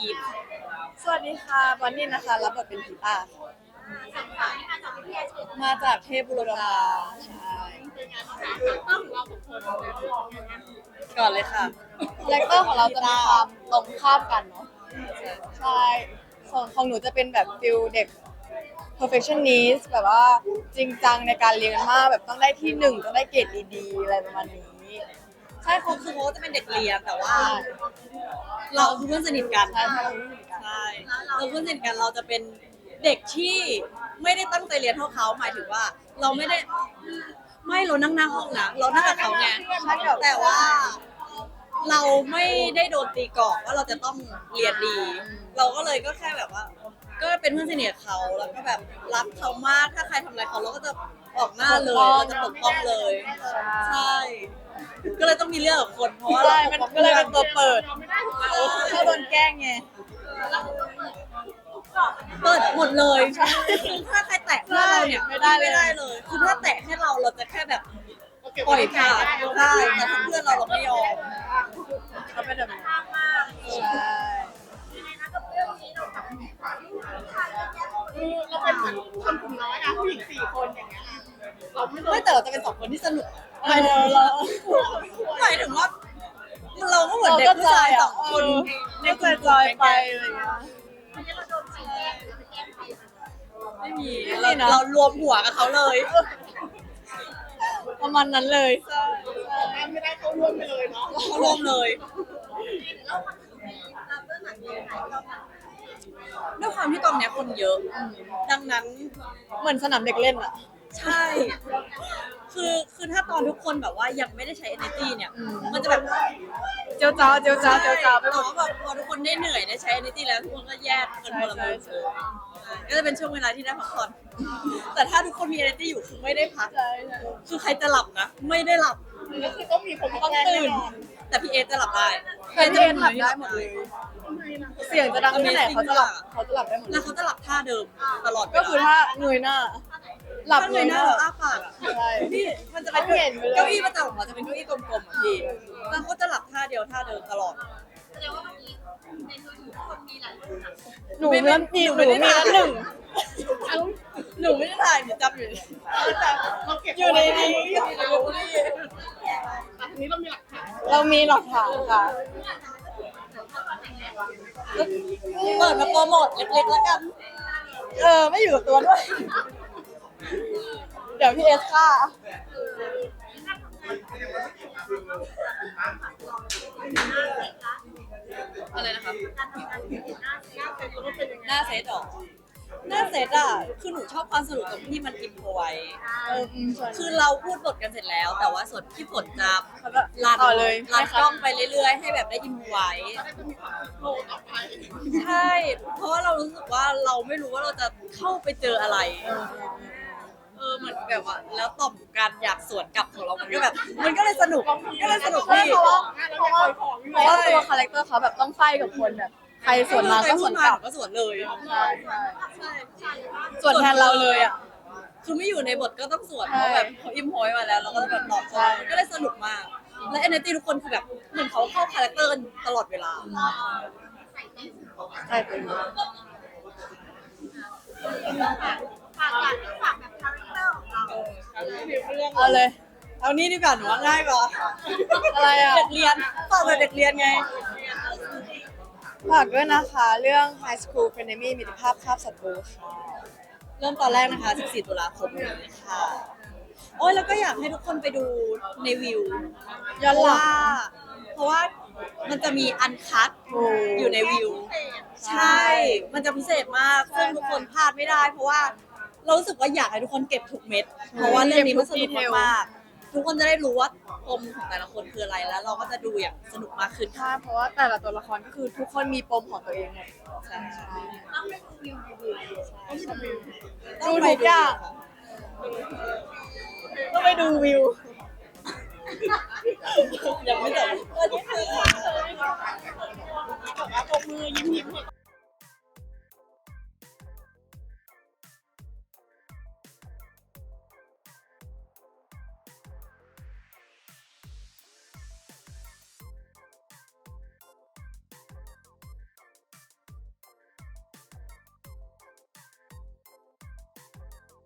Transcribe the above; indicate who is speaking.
Speaker 1: พีท
Speaker 2: สวัสดีค่ะบอนนี่นะคะรับบทเป็นผีป้ามาจากเทพบุรพาใช่ก่อนเลยค่ะคาแรคเตอร์ของเราจะมีความตรงข้ามกันเนาะใช่ส่วนของหนูจะเป็นแบบฟิลเด็ก perfectionist แบบว่าจริงจังในการเรียนมากแบบต้องได้ที่หนึ่งต้องได้เกรดดีๆอะไรประมาณนี้
Speaker 1: ใช่เขาจะเป็นเด็กเรียนแต่ว่าเราคือเพื่อนสนิทกัน
Speaker 2: ใช่
Speaker 1: ใช่เราเพื่อนสนิทกันเราจะเป็นเด็กที่ไม่ได้ตั้งใจเรียนเท่าเขาหมายถึงว่า เราไม่ได้ไม่เรานั่งหน้าห้องนะเรานั่งกับเขาไงแต่ว่าเราไม่ได้โดนตีกรอบว่าเราจะต้องเรียนดี เราก็เลยก็แค่แบบว่า ก็เป็นเพื่อนสนิทกับเขาแล้วก็แบบรักเขามากถ้าใครทำอะไรเขาเราก็จะออกหน้าเลยเราจะปกป้องเลยใช่ก็เลยต้องมีเรื่องกับคนเพราะว่า
Speaker 2: ใช่มันก็เลยเป็นตัวเปิดถ้าโดนแกล้งไง
Speaker 1: เปิดหมดเลยคือถ้าใครแตะเพื่อนเราเนี่ย
Speaker 2: ไม่ได้เลย
Speaker 1: เลยคือถ้าแตะให้เราจะแค่แบบปล่อยผ่านได้แต่ถ้าเพื่อนเราไม่ยอม
Speaker 2: เขาเป็นแบบนี้ใช่
Speaker 3: เราเป็นคนกลุ่มน้อยนะผู้หญิง4 คนอย่างเงี้ยเราไม่
Speaker 1: ไม่แต่เราจะเป็น2 คนที่สนุก
Speaker 2: เออเรา
Speaker 1: หมายถึงว่าเราก็เหมือนเด็กผู้ชาย2 คน
Speaker 2: นี่เคยจอยไปอะไรอย่างเงี้ย
Speaker 1: ไม่มี
Speaker 2: ไม่มีนะ
Speaker 1: เรารวมหัวกับเขาเลย
Speaker 2: ประมาณนั้นเลย
Speaker 3: ไม่ได้เข้าร่วมไปเลยเนาะ
Speaker 1: เขารวมเลยด้วยความที่กองเนี้ยคนเยอะ ดังนั้น
Speaker 2: เหมือนสนามเด็กเล่นอ่ะ
Speaker 1: ใช่ คือถ้าตอนทุกคนแบบว่ายังไม่ได้ใช้ energy เนี่ย มันจะแบบ
Speaker 2: เจียวจ้าวเจียวจ้าวเจียวจ้าวไปหม
Speaker 1: แต่
Speaker 2: ด
Speaker 1: ว่าแบบพอทุกคนได้เหนื่อยได้ใช้ energy แล้วทุกคนก็แยกกันคนละมุม
Speaker 2: ใช่
Speaker 1: ก็จะเป็นช่วงเวลาที่ได้พักผ่อน แต่ถ้าทุกคนมี energy อยู่คือไม่ได้พัก
Speaker 2: ใช่ใช่
Speaker 1: คือใครจะหลับนะ ไม่ได้หลับ
Speaker 3: ก็คือต้องมีคนมา
Speaker 2: ต้อง
Speaker 3: แก้
Speaker 2: ตื่น
Speaker 1: แต่พี่เอจะหลับได้
Speaker 2: แต่พี่เอ็นหลับได้หมดเลย เสียงจะดังแค่ไหนเขาจะหลับได้หมดเล
Speaker 1: แล้ว
Speaker 2: ย
Speaker 1: เขาจะหลับท่าเดิมตลอดเวล
Speaker 2: ก็คือถ้าเงยหน้า หลับ
Speaker 1: ถ้า
Speaker 2: เล
Speaker 1: เง
Speaker 2: ย
Speaker 1: ยหน้า
Speaker 2: นะ
Speaker 1: เราอ้าปากอะ
Speaker 2: ใช่
Speaker 1: นี่มันจะเป็น
Speaker 2: เขาเห็นไปเลย
Speaker 1: เก้าอี้ประจำของเราจะเป็นเก้าอี้กลมๆอ่ะพี่แล้วเขาจะหลับท่าเดียวท่าเดิมตลอด
Speaker 2: หนูเริ่มมีหนูมีแล้วหนึ่ง
Speaker 1: หนูไม่ได้ถ่ายหนูจำอยู่
Speaker 3: แต่เราเก็บ
Speaker 2: อยู่ในนี้
Speaker 3: แต่ทีนี้เรามีหลักฐาน
Speaker 2: เรามีหลักฐานค่ะ
Speaker 1: เปิดมาโปรโมทเล็กๆแล้วกัน
Speaker 2: ไม่อยู่กับตัวด้วย เดี๋ยวพี่เอสค่ะ
Speaker 1: อะไรนะครับหน้าเซตหรอหน้าเซตอ่ะคือหนูชอบความสนุกตรงที่มันอิมพอไว้ คือเราพูดบทกันเสร็จแล้ว แต่ว่าส่วนที่ผลจะรัน
Speaker 2: ต่อเลย
Speaker 1: รันกล้องไปเรื่อยๆ ให้แบบได้อิมพอไว้
Speaker 3: จะมีความโลต่อไป
Speaker 1: ใช่ เพราะว่าเรารู้สึกว่าเราไม่รู้ว่าเราจะเข้าไปเจออะไร เหมือนแบบว่าแล้วต่อมการอยากสวนกลับของเรา มันก็แบบ มันก็เลยสนุกพี่
Speaker 2: เพราะว่าตัวคาแรคเตอร์เขาแบบต้องไฟกับคนแบบใครสวนมาก็สวนกลับ
Speaker 1: ก็สวนเลย
Speaker 2: ใช่ใช่
Speaker 1: ใช่
Speaker 2: ส่วนแทนเราเลยอ่ะ
Speaker 1: คือไม่อยู่ในบทก็ต้องสวน
Speaker 2: ใช่
Speaker 1: เพราะแบบเขาอิมพอยมาแล้วเราก็จะแบบตอบ
Speaker 2: ใช่
Speaker 1: มันก็เลยสนุกมาก และ energy ทุกคนคือแบบเหมือนเขาเข้าคาแรคเตอร์กันตลอดเวลา
Speaker 2: ใช่เป็น เอาเลย
Speaker 1: เอานี่ดีกว่าหนูว่าง่ายกว่า
Speaker 2: อะไรอ่ะ
Speaker 1: เด็กเรียนตอบแบบเด็กเรียนไง
Speaker 2: ฝากด้วยนะคะ เรื่อง High School Frenemy มิตรภาพคาบศัตรูค่ะ
Speaker 1: เริ่มตอนแรกนะคะ 14 ตุลาคมนี้ค่ะ โอ้ยแล้วก็อยากให้ทุกคนไปดูในวิว
Speaker 2: ย้อนหลัง
Speaker 1: เพราะว่ามันจะมีอันคัดอยู่ในวิว ใช่ มันจะพิเศษมาก ซึ่งทุกคนพลาดไม่ได้ เพราะว่าเรารู้สึกว่าอยากให้ทุกคนเก็บทุกเม็ด เพราะว่าเรื่องนี้มันสนุกมากๆทุกคนจะได้รู้ว่าปมของแต่ละคนคืออะไร แล้วเราก็จะดูอย่างสนุกมากขึ้น
Speaker 2: ใช่เพราะว่าแต่ละตัวละครก็คือทุกคนมีปมของตัวเองหมด
Speaker 1: ใช่
Speaker 2: ดูทุกอย่างต้องไปดูวิว
Speaker 1: ยังไม่